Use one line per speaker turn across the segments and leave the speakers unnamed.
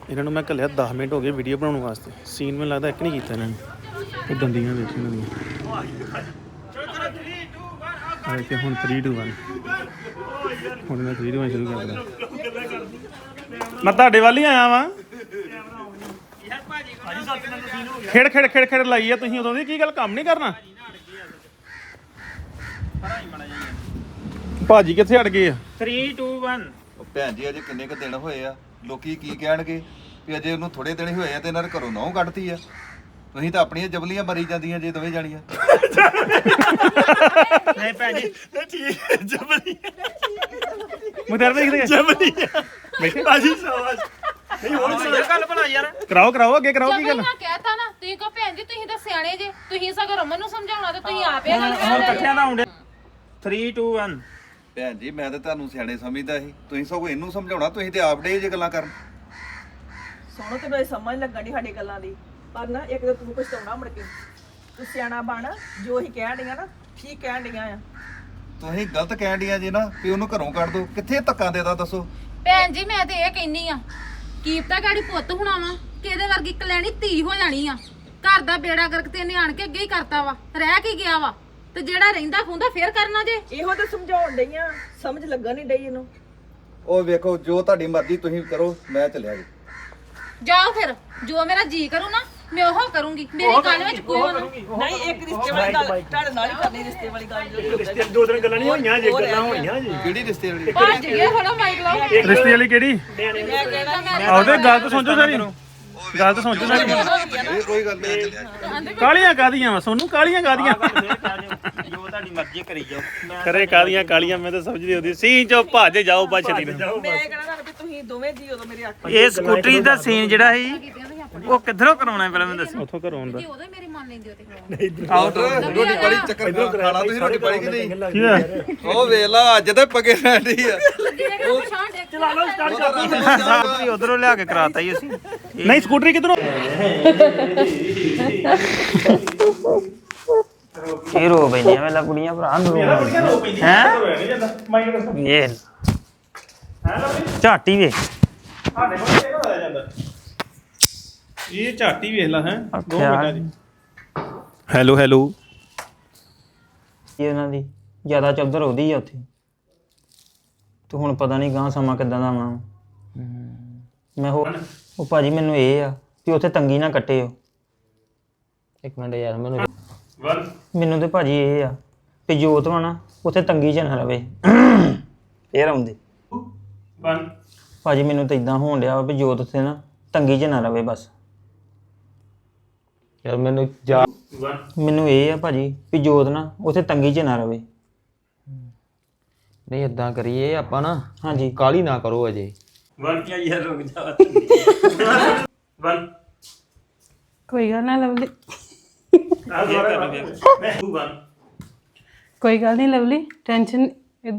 ਇਹਨਾਂ ਨੂੰ ਮੈਂ ਘੱਲਿਆ 10 ਮਿੰਟ ਹੋ ਗਏ ਵੀਡੀਓ ਬਣਾਉਣ ਵਾਸਤੇ। ਸੀਨ ਮੈਨੂੰ ਲੱਗਦਾ ਇੱਕ ਨਹੀਂ ਕੀਤਾ ਇਹਨਾਂ ਨੇ। ਉਹ ਦੰਦੀਆਂ ਵੇਖ ਇਹਨਾਂ ਦੀਆਂ। ਕਿ ਹੁਣ 3 2 1 ਹੁਣ ਮੈਂ 3 2 1 ਸ਼ੁਰੂ ਕਰਦਾ। ਮੈਂ ਤੁਹਾਡੇ ਵੱਲ ਹੀ ਆਇਆ ਵਾਂ। ਖੇੜ ਖੇੜ ਖੇੜ ਖੇੜ ਲਾਈ ਆ ਤੁਸੀਂ ਉਦੋਂ ਦੀ। ਕੀ ਗੱਲ ਕੰਮ ਨਹੀਂ ਕਰਨਾ? ਭਾਜੀ ਕਿੱਥੇ ਅੜ ਗਏ ਆ?
3 2 1
ਭੈਣ ਜੀ ਅਜੇ ਕਿੰਨੇ ਕ ਦਿਨ ਹੋਏ ਆ, ਲੋਕੀ ਕੀ ਕਹਿਣਗੇ ਵੀ ਅਜੇ ਉਹਨੂੰ ਥੋੜੇ ਦਿਨ ਹੀ ਹੋਏ ਆ ਤੇ ਇਹਨਾਂ ਨੇ ਘਰੋਂ ਨਹੁੰ ਕੱਢਤੀ ਆ। ਤੁਸੀਂ ਤਾਂ ਆਪਣੀਆਂ ਜਬਲੀਆਂ ਮਰੀ ਜਾਂਦੀਆਂ ਜੇ ਦੋਵੇਂ ਜਾਣੀਆਂ।
ਨਹੀਂ ਭੈਣ ਜੀ ਠੀਕ ਜਬਲੀ
ਮੁਦਰ ਵੇਖਦੇ
ਜਬਲੀ
ਬੈਠੇ
ਭਾਜੀ ਸ਼ਾਬਾਸ਼। ਨਹੀਂ ਹੋਰ ਗੱਲ ਬਣਾ ਯਾਰ।
ਕਰਾਓ ਕਰਾਓ ਅੱਗੇ ਕਰਾਓ। ਕੀ ਗੱਲ?
ਮੈਂ ਕਹਿਤਾ ਨਾ ਤੁਸੀਂ ਕਹੋ ਭੈਣ ਜੀ ਤੁਸੀਂ ਤਾਂ ਸਿਆਣੇ ਜੇ, ਤੁਸੀਂ ਸਗੋਂ ਰਮਨ ਨੂੰ ਸਮਝਾਉਣਾ ਤੇ ਤੁਸੀਂ ਆਪੇ ਗੱਲ
ਹੁਣ ਇਕੱਠਿਆਂ ਦਾ ਆਉਂਦੇ 3 2 1
ਭੈਣ ਜੀ ਮੈਂ ਤਾਂ ਤੁਹਾਨੂੰ ਸਿਆਣੇ ਸਮਝਦਾ ਸੀ, ਤੁਸੀਂ ਸਗੋਂ ਇਹਨੂੰ ਸਮਝਾਉਣਾ। ਤੁਸੀਂ ਤੇ ਆਪ ਡੇ ਜੇ ਗੱਲਾਂ ਕਰਨ।
ਸੋਹਣੋ ਤੇ ਮੈਨੂੰ ਸਮਝ ਲੱਗਣ ਦੀ ਸਾਡੀ ਗੱਲਾਂ ਦੀ, ਪਰ ਨਾ ਇੱਕ ਤਾਂ ਤੂੰ ਪਛਤਾਉਣਾ ਮੁੜ ਕੇ। ਤੂੰ ਸਿਆਣਾ ਬਣ, ਜੋ ਅਸੀਂ ਕਹਿਣ ਡੀਆਂ ਨਾ ਠੀਕ ਕਹਿਣ ਡੀਆਂ ਆ।
ਤੁਸੀਂ ਗਲਤ ਕਹਿਣ ਡੀਆਂ ਜੇ ਨਾ ਵੀ ਉਹਨੂੰ ਘਰੋਂ ਕੱਢ ਦੋ। ਕਿੱਥੇ ਧੱਕਾ ਦੇਦਾ ਦੱਸੋ?
ਭੈਣ ਜੀ ਮੈਂ ਤੇ ਇਹ ਕਹਿੰਨੀ ਆ, ਕੀਪਤਾ ਗਾੜੀ ਪੁੱਤ ਹੋਣਾ ਵਾ ਕਿ ਇਹਦੇ ਵਰਗੀ ਕਲੈਣੀ ਧੀ ਹੋ ਜਾਣੀ ਆ। ਘਰ ਦਾ ਬੇੜਾ ਗਰਕ ਤੇ ਇਹਨੇ ਆਣ ਕੇ ਅੱਗੇ ਹੀ ਕਰਤਾ ਵਾ, ਰਹਿ ਕੀ ਗਿਆ ਵਾ ਤੇ ਜਿਹੜਾ ਰਹਿੰਦਾ ਖੁੰਦਾ ਫੇਰ ਕਰਨਾ ਜੇ।
ਇਹੋ ਤਾਂ ਸਮਝਾਉਣ ਡਈਆਂ, ਸਮਝ ਲੱਗਣ ਨਹੀਂ ਡਈ ਇਹਨੂੰ।
ਉਹ ਵੇਖੋ ਜੋ ਤੁਹਾਡੀ ਮਰਜ਼ੀ ਤੁਸੀਂ ਕਰੋ, ਮੈਂ ਚੱਲਿਆ ਜੀ।
ਜਾਓ ਫਿਰ, ਜੋ ਮੇਰਾ ਜੀ ਕਰੂ ਨਾ ਮੈਂ ਉਹ ਕਰੂੰਗੀ। ਮੇਰੀ ਗੱਲ ਵਿੱਚ ਕੋਈ ਨਾ।
ਨਹੀਂ ਇੱਕ ਰਿਸ਼ਤੇ ਵਾਲੀ ਗੱਲ ਤੁਹਾਡੇ ਨਾਲ ਹੀ ਕਰਨੀ, ਰਿਸ਼ਤੇ ਵਾਲੀ ਗੱਲ ਜੋ
ਦੋ ਦਿਨ ਗੱਲਾਂ ਨਹੀਂ ਹੋਈਆਂ ਜੇ ਗੱਲਾਂ ਹੋਈਆਂ ਜੀ।
ਕਿਹੜੀ ਰਿਸ਼ਤੇ ਵਾਲੀ?
ਭੱਜ ਗਿਆ ਥੋੜਾ ਮਾਈਕ ਲਾਓ।
ਰਿਸ਼ਤੇ ਵਾਲੀ ਕਿਹੜੀ?
ਮੈਂ ਕਹਿਣਾ
ਆਉਦੇ ਗੱਲ ਤਾਂ ਸੋਚੋ ਸਾਰੀ। ਗੱਲ ਤਾਂ ਸੋਚੋ ਸਾਰੀ।
ਇਹ ਕੋਈ ਗੱਲ ਨਹੀਂ, ਮੈਂ ਚੱਲਿਆ ਜੀ।
ਕਾਲੀਆਂ ਕਾਦੀਆਂ ਵਾ ਸੋਨੂੰ? ਕਾਲੀਆਂ ਕਾਦੀਆਂ
ਜੋ ਤੁਹਾਡੀ ਮਰਜ਼ੀ ਕਰੀ ਜਾਓ।
ਕਰੇ ਕਾਦੀਆਂ ਕਾਲੀਆਂ? ਮੈਂ ਤਾਂ ਸਮਝਦੀ ਹੁੰਦੀ ਸੀਨ ਚੋਂ ਭੱਜ ਜਾਓ ਬਸ ਛੇਤੀ ਨਾਲ।
ਮੈਂ ਕਹਿਣਾ ਤੁਹਾਨੂੰ ਵੀ ਤੁਸੀਂ ਦੋਵੇਂ ਜੀ ਉਦੋਂ ਮੇਰੇ ਅੱਖ
ਇਹ ਸਕੂਟਰੀ ਦਾ ਸੀਨ ਜਿਹੜਾ ਸੀ ਉਹ ਕਿੱਧਰੋਂ ਕਰਾਉਣਾ ਪਹਿਲਾਂ ਮੈਨੂੰ ਦੱਸੋ।
ਉੱਥੋਂ ਘਰੋਂ ਆਉਂਦਾ।
ਜੇ ਉਹਦੇ ਮੇਰੀ ਮੰਨ ਲੈਂਦੇ ਹੋ ਤੇ
ਆਊਟ ਰੋਟੀ ਪਾਣੀ ਚੱਕਰ ਖਾਣਾ ਤੁਸੀਂ ਰੋਟੀ ਪਾਣੀ ਕਿ ਨਹੀਂ?
ਕੀ ਹੋਇਆ?
ਉਹ ਵੇਖ ਲਾ ਅੱਜ ਤਾਂ ਪੱਗੇ ਰਹਿੰਦੀ ਆ।
ਚਲਾ ਲਓ
ਸਕੂਟਰੀ ਉਧਰੋਂ ਲਿਆ ਕੇ ਕਰਾਤਾ ਹੀ ਅਸੀਂ।
ਨਹੀਂ ਸਕੂਟਰੀ ਕਿਧਰੋਂ?
ਕੀ ਰੋ ਪੈਂਦੀਆਂ ਵੇਲਾ ਕੁੜੀਆਂ ਭਰਾ ਨੂੰ ਹੈ ਇਹ ਝਾਟੀ ਵੇ
ਇਹ ਝਾਟੀ ਵੇਖ ਲਾ ਹੈ। 2
ਅੱਛਾ।
ਮਿੰਟਾਂ ਦੀ। Hello hello.
ਇਹ ਉਹਨਾਂ ਦੀ ਜ਼ਿਆਦਾ ਚੌਧਰ ਉਹਦੀ ਆ ਉੱਥੇ ਤੇ ਹੁਣ ਪਤਾ ਨਹੀਂ ਗਾਂ ਸਮਾਂ ਕਿੱਦਾਂ ਦਾ ਆਉਣਾ। ਮੈਂ ਉਹ ਭਾਜੀ ਮੈਨੂੰ ਇਹ ਆ ਵੀ ਉੱਥੇ ਤੰਗੀ ਨਾ ਕੱਟੇ। ਇੱਕ ਮਿੰਟ ਯਾਰ ਮੈਨੂੰ ਤੇ ਭਾਜੀ ਇਹ ਆ ਵੀ ਜੋਤ ਵਾ ਨਾ ਉੱਥੇ ਤੰਗੀ 'ਚ ਨਾ ਰਵੇ। ਫੇਰ ਆਉਂਦੇ ਭਾਜੀ ਮੈਨੂੰ ਤਾਂ ਇਦਾਂ ਹੋਣ ਡਿਆ ਵੀ ਜੋਤ ਉੱਥੇ ਨਾ ਤੰਗੀ 'ਚ ਨਾ ਰਵੇ ਬਸ। ਯਾਰ ਮੈਨੂੰ ਇਹ ਆ ਭਾਜੀ ਵੀ ਜੋਤ ਨਾ ਉੱਥੇ ਤੰਗੀ 'ਚ ਨਾ ਰਵੇ।
ਨਹੀਂ ਇਦਾਂ ਕਰੀਏ ਆਪਾਂ ਨਾ,
ਹਾਂਜੀ
ਕਾਲੀ ਨਾ ਕਰੋ ਅਜੇ।
ਕੋਈ ਗੱਲ ਨਾ ਲਵਲੀ, ਕੋਈ ਗੱਲ ਨਹੀਂ ਲਵਲੀ, ਟੈਨਸ਼ਨ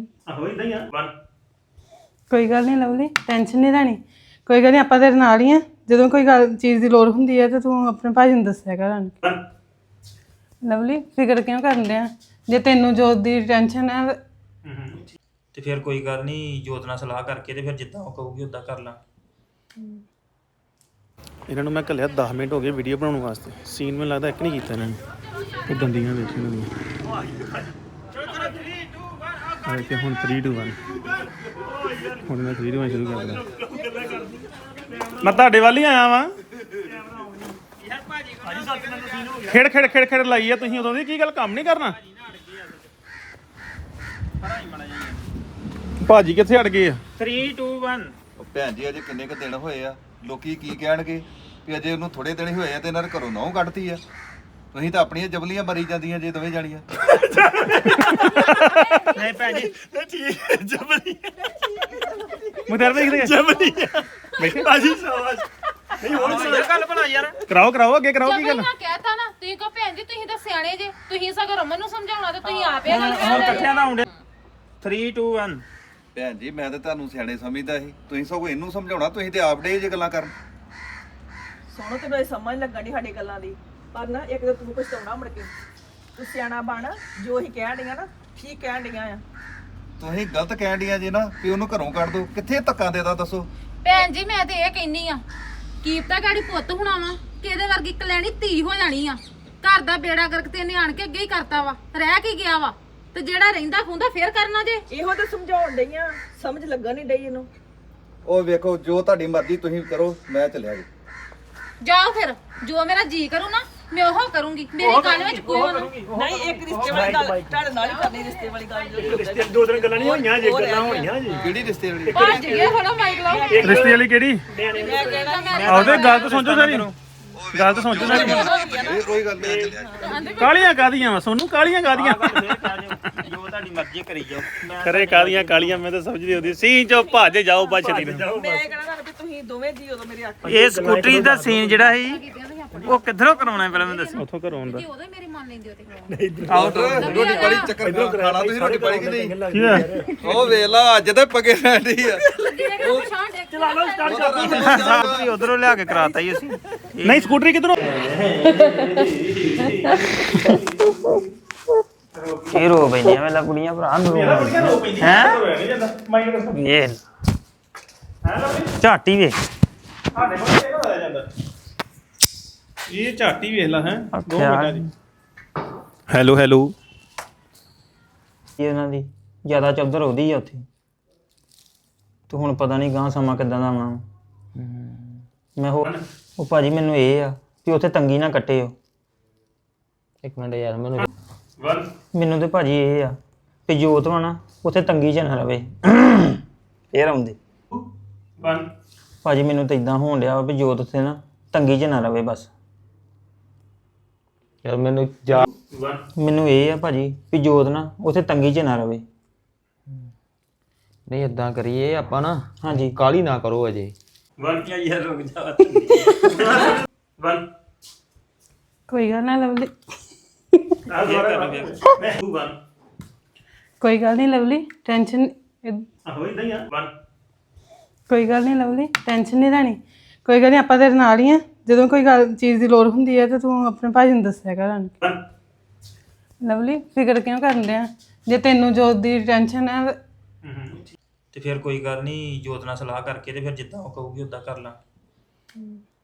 ਕੋਈ ਗੱਲ ਨਹੀਂ ਲਵਲੀ, ਟੈਨਸ਼ਨ ਨਹੀਂ ਲੈਣੀ। ਕੋਈ ਗੱਲ ਨਹੀਂ, ਆਪਾਂ ਤੇਰੇ ਨਾਲ ਹੀ ਆ। ਜਦੋਂ ਕੋਈ ਗੱਲ ਚੀਜ਼ ਦੀ ਲੋੜ ਹੁੰਦੀ ਹੈ ਤਾਂ ਤੂੰ ਆਪਣੇ ਭਾਜੀ ਨੂੰ ਦੱਸਿਆ ਕਰ। ਲਵਲੀ ਫਿਕਰ ਕਿਉਂ ਕਰਨ ਡਿਆ? ਜੇ ਤੈਨੂੰ ਜੋਤ ਦੀ ਟੈਨਸ਼ਨ ਹੈ
ਤੇ ਫਿਰ ਕੋਈ ਗੱਲ ਨਹੀਂ, ਜੋਤ ਨਾਲ ਸਲਾਹ ਕਰਕੇ ਤੇ ਫਿਰ ਜਿੱਦਾਂ ਉਹ ਕਹੂਗੀ ਉਦਾਂ ਕਰ ਲਾਂ।
ਇਹਨਾਂ ਨੂੰ ਮੈਂ ਘੱਲਿਆ 10 ਮਿੰਟ ਹੋ ਗਏ ਵੀਡੀਓ ਬਣਾਉਣ ਵਾਸਤੇ। ਸੀਨ ਮੈਨੂੰ ਲੱਗਦਾ ਇੱਕ ਨਹੀਂ ਕੀਤਾ ਇਹਨਾਂ ਨੇ। ਉਹ ਦੰਦੀਆਂ ਵੇਖ ਇਹਨਾਂ ਦੀਆਂ। ਕਿ ਹੁਣ 3 2 1 ਹੁਣ ਮੈਂ 3 2 1 ਸ਼ੁਰੂ ਕਰਦਾ। ਮੈਂ ਤੁਹਾਡੇ ਵੱਲ ਹੀ ਆਇਆ ਵਾਂ। ਖੇੜ ਖੇੜ ਖੇੜ ਖੇੜ ਲਾਈ ਆ ਤੁਸੀਂ ਉਦੋਂ ਦੀ। ਕੀ ਗੱਲ ਕੰਮ ਨਹੀਂ ਕਰਨਾ? ਭਾਜੀ ਕਿੱਥੇ ਅੜ ਗਏ ਆ?
3 2 1
ਉਹ ਭੈਣ ਜੀ ਅਜੇ ਕਿੰਨੇ ਕ ਦਿਨ ਹੋਏ ਆ, ਲੋਕੀ ਕੀ ਕਹਿਣਗੇ ਵੀ ਅਜੇ ਉਹਨੂੰ ਥੋੜੇ ਦਿਨ ਹੀ ਹੋਏ ਆ ਤੇ ਇਹਨਾਂ ਨੇ ਘਰੋਂ ਨਹੁੰ ਕੱਢਤੀ ਆ। ਤੁਸੀਂ ਤਾਂ ਆਪਣੀਆਂ ਜਬਲੀਆਂ ਮਰੀ ਜਾਂਦੀਆਂ ਜੇ ਦੋਵੇਂ ਜਾਣੀਆਂ।
ਨਹੀਂ ਭੈਣ ਜੀ ਠੀਕ ਜਬਲੀ
ਮੁਦਰ ਵੇਖਦੇ
ਜਬਲੀ
ਬੈਠੇ
ਭਾਜੀ ਸ਼ਾਬਾਸ਼। ਨਹੀਂ ਹੋਰ ਗੱਲ ਬਣਾ ਯਾਰ।
ਕਰਾਓ ਕਰਾਓ ਅੱਗੇ ਕਰਾਓ। ਕੀ ਗੱਲ?
ਮੈਂ ਕਹਿਤਾ ਨਾ ਤੁਸੀਂ ਕਹੋ ਭੈਣ ਜੀ ਤੁਸੀਂ ਤਾਂ ਸਿਆਣੇ ਜੇ, ਤੁਸੀਂ ਸਗੋਂ ਰਮਨ ਨੂੰ ਸਮਝਾਉਣਾ ਤੇ ਤੁਸੀਂ ਆਪੇ ਗੱਲ
ਹੁਣ ਇਕੱਠਿਆਂ ਦਾ ਆਉਂਦੇ 3 2 1
ਭੈਣ ਜੀ ਮੈਂ ਤਾਂ ਤੁਹਾਨੂੰ ਸਿਆਣੇ ਸਮਝਦਾ ਸੀ, ਤੁਸੀਂ ਸਗੋਂ ਇਹਨੂੰ ਸਮਝਾਉਣਾ। ਤੁਸੀਂ ਤੇ ਆਪ ਡੇ ਜੇ ਗੱਲਾਂ ਕਰਨ।
ਸੋਹਣੋ ਤੇ ਮੈਨੂੰ ਸਮਝ ਲੱਗਣ ਦੀ ਸਾਡੀ ਗੱਲਾਂ ਦੀ, ਪਰ ਨਾ ਇੱਕ ਤਾਂ ਤੂੰ ਪਛਤਾਉਣਾ ਮੁੜ ਕੇ। ਤੂੰ ਸਿਆਣਾ ਬਣ, ਜੋ ਅਸੀਂ ਕਹਿਣ ਡੀਆਂ ਨਾ ਠੀਕ ਕਹਿਣ ਡੀਆਂ ਆ।
ਤੁਸੀਂ ਗਲਤ ਕਹਿਣ ਡੀਆਂ ਜੇ ਨਾ ਵੀ ਉਹਨੂੰ ਘਰੋਂ ਕੱਢ ਦੋ। ਕਿੱਥੇ ਧੱਕਾ ਦੇਦਾ ਦੱਸੋ?
ਭੈਣ ਜੀ ਮੈਂ ਤੇ ਇਹ ਕਹਿੰਨੀ ਆ, ਕੀਪਤਾ ਗਾੜੀ ਪੁੱਤ ਹੋਣਾ ਵਾ ਕਿਹਦੇ ਵਰਗੀ ਕਲੈਣੀ ਧੀ ਹੋ ਜਾਣੀ ਆ ਘਰ ਦਾ ਬੇੜਾ ਗਰਕ ਤੇ ਇਹਨੇ ਆਣ ਕੇ ਅੱਗੇ ਹੀ ਕਰਤਾ ਵਾ ਰਹਿ ਕੀ ਗਿਆ ਵਾ ਤੇ ਜਿਹੜਾ ਰਹਿੰਦਾ ਖੁੰਦਾ ਫੇਰ ਕਰਨਾ ਜੇ
ਇਹੋ ਤਾਂ ਸਮਝਾਉਣ ਡਈਆਂ ਸਮਝ ਲੱਗਣ ਨਹੀਂ ਡਈ ਇਹਨੂੰ
ਉਹ ਵੇਖੋ ਜੋ ਤੁਹਾਡੀ ਮਰਜ਼ੀ ਤੁਸੀਂ ਕਰੋ ਮੈਂ ਚੱਲਿਆ ਜੀ
ਜਾਓ ਫਿਰ ਜੋ ਮੇਰਾ ਜੀ ਕਰੂ ਨਾ ਮੈਂ ਉਹ ਕਰੂੰਗੀ ਮੇਰੀ ਗੱਲ ਵਿੱਚ ਕੋਈ ਨਾ
ਨਹੀਂ ਇੱਕ ਰਿਸ਼ਤੇ ਵਾਲੀ ਗੱਲ ਤੁਹਾਡੇ ਨਾਲ ਹੀ ਕਰਨੀ ਰਿਸ਼ਤੇ ਵਾਲੀ ਗੱਲ
ਦੋ ਤਿੰਨ ਗੱਲਾਂ ਨਹੀਂ ਹੋਈਆਂ ਜੇ ਗੱਲਾਂ ਹੋਣੀਆਂ ਜੀ
ਕਿਹੜੀ ਰਿਸ਼ਤੇ ਵਾਲੀ
ਭੱਜ ਗਏ ਥੋੜਾ ਮਾਈਕ ਲਾਓ
ਰਿਸ਼ਤੇ ਵਾਲੀ ਕਿਹੜੀ
ਮੈਂ ਕਹਿਣਾ
ਆਉਦੇ ਗੱਲ ਤਾਂ ਸੋਚੋ ਸਾਰੀ ਗੱਲ ਤਾਂ ਸੋਚੋ ਸਾਰੀ
ਇਹ ਕੋਈ ਗੱਲ ਨਹੀਂ ਚੱਲਿਆ ਜੀ
ਕਾਲੀਆਂ ਕਾਦੀਆਂ ਵਾ ਸੋਨੂੰ ਕਾਲੀਆਂ ਕਾਦੀਆਂ
ਜੋ ਤੁਹਾਡੀ ਮਰਜ਼ੀ ਕਰੀ ਜਾਓ
ਕਰੇ ਕਾਦੀਆਂ ਕਾਲੀਆਂ ਮੈਂ ਤਾਂ ਸਮਝਦੀ ਹੁੰਦੀ ਸੀ ਚੋ ਭੱਜ ਜਾਓ ਬਛੜੀ ਨੂੰ
ਮੈਂ ਕਹਿਣਾ ਵੀ ਤੁਸੀਂ ਦੋਵੇਂ ਜੀ ਉਦੋਂ ਮੇਰੇ ਅੱਖ
ਇਹ ਸਕੂਟਰੀ ਦਾ ਸੀਨ ਜਿਹੜਾ ਸੀ ਉਹ ਕਿੱਧਰੋਂ ਕਰਾਉਣਾ ਪਹਿਲਾਂ ਮੈਨੂੰ ਦੱਸੋ
ਉੱਥੋਂ ਘਰੋਂ ਆਉਂਦਾ
ਜੇ ਉਹਦੇ ਮੇਰੀ ਮੰਨ ਲੈਂਦੇ ਹੋ ਤੇ
ਰੋਟੀ ਪਾਣੀ ਚੱਕਰ ਖਾਣਾ ਤੁਸੀਂ ਰੋਟੀ ਪਾਣੀ ਕਿ ਨਹੀਂ
ਕੀ ਹੋਇਆ?
ਉਹ ਵੇਖ ਲਾ ਅੱਜ ਤਾਂ ਪੱਕੇ ਰਹਿੰਦੀ ਆ
ਚਲਾ ਲਓ
ਸਕੂਟਰੀ ਉਧਰੋਂ ਲਿਆ ਕੇ ਕਰਾਤਾ ਹੀ ਅਸੀਂ
ਨਹੀਂ ਸਕੂਟਰੀ ਕਿਧਰੋਂ
ਕੀ ਰੋ ਪੈਂਦੀਆਂ ਵੇਲਾ ਕੁੜੀਆਂ ਭਰਾ ਨੂੰ ਹੈ ਇਹ ਝਾਟੀ ਵੇ
ਇਹ ਝਾਟੀ ਵੇਖ ਲਾ ਹੈ 2
ਅੱਛਾ।
ਮਿੰਟਾਂ ਦੀ ਹੈਲੋ ਹੈਲੋ
ਇਹ ਉਹਨਾਂ ਦੀ ਜ਼ਿਆਦਾ ਚੌਧਰ ਉਹਦੀ ਆ ਉੱਥੇ ਤੇ ਹੁਣ ਪਤਾ ਨਹੀਂ ਗਾਂ ਸਮਾਂ ਕਿੱਦਾਂ ਦਾ ਆਉਣਾ ਮੈਂ ਉਹ ਭਾਜੀ ਮੈਨੂੰ ਇਹ ਆ ਵੀ ਉੱਥੇ ਤੰਗੀ ਨਾ ਕੱਟਿਓ
ਇੱਕ ਮਿੰਟ ਯਾਰ ਮੈਨੂੰ
ਮੈਨੂੰ ਤੇ ਭਾਜੀ ਇਹ ਆ ਵੀ ਜੋਤ ਵਾ ਨਾ ਉੱਥੇ ਤੰਗੀ 'ਚ ਨਾ ਰਵੇ ਫੇਰ ਆਉਂਦੇ ਭਾਜੀ ਮੈਨੂੰ ਤਾਂ ਇਦਾਂ ਹੋਣ ਡਿਆ ਵਾ ਵੀ ਜੋਤ ਉੱਥੇ ਨਾ ਤੰਗੀ 'ਚ ਨਾ ਰਵੇ ਬਸ
ਯਾਰ ਮੈਨੂੰ ਜਾ
ਮੈਨੂੰ ਇਹ ਆ ਭਾਜੀ ਵੀ ਜੋਤ ਨਾ ਉੱਥੇ ਤੰਗੀ 'ਚ ਨਾ ਰਵੇ
ਨਹੀਂ ਇਦਾਂ ਕਰੀਏ ਆਪਾਂ ਨਾ
ਹਾਂਜੀ
ਕਾਲੀ ਨਾ ਕਰੋ ਅਜੇ
ਕੋਈ ਗੱਲ ਨਾ ਲਵਲੀ ਕੋਈ ਗੱਲ ਨਹੀਂ ਲਵਲੀ ਟੈਨਸ਼ਨ ਕੋਈ ਗੱਲ ਨਹੀਂ ਲਵਲੀ ਟੈਨਸ਼ਨ ਨਹੀਂ ਲੈਣੀ ਕੋਈ ਗੱਲ ਨਹੀਂ ਆਪਾਂ ਤੇਰੇ ਨਾਲ ਹੀ ਆ ਜਦੋਂ ਕੋਈ ਗੱਲ ਚੀਜ਼ ਦੀ ਲੋੜ ਹੁੰਦੀ ਹੈ ਤੇ ਤੂੰ ਆਪਣੇ ਭਾਜੀ ਨੂੰ ਦੱਸਿਆ ਕਰ ਆਣ ਕੇ ਲਵਲੀ ਫਿਕਰ ਕਿਉਂ ਕਰਨ ਡਿਆ ਜੇ ਤੈਨੂੰ ਜੋਤ ਦੀ ਟੈਨਸ਼ਨ ਹੈ
ਤੇ ਫਿਰ ਕੋਈ ਗੱਲ ਨਹੀਂ ਜੋਤ ਨਾਲ ਸਲਾਹ ਕਰਕੇ ਤੇ ਫਿਰ ਜਿੱਦਾਂ ਉਹ ਕਹੂਗੀ ਉਦਾਂ ਕਰ ਲਾਂ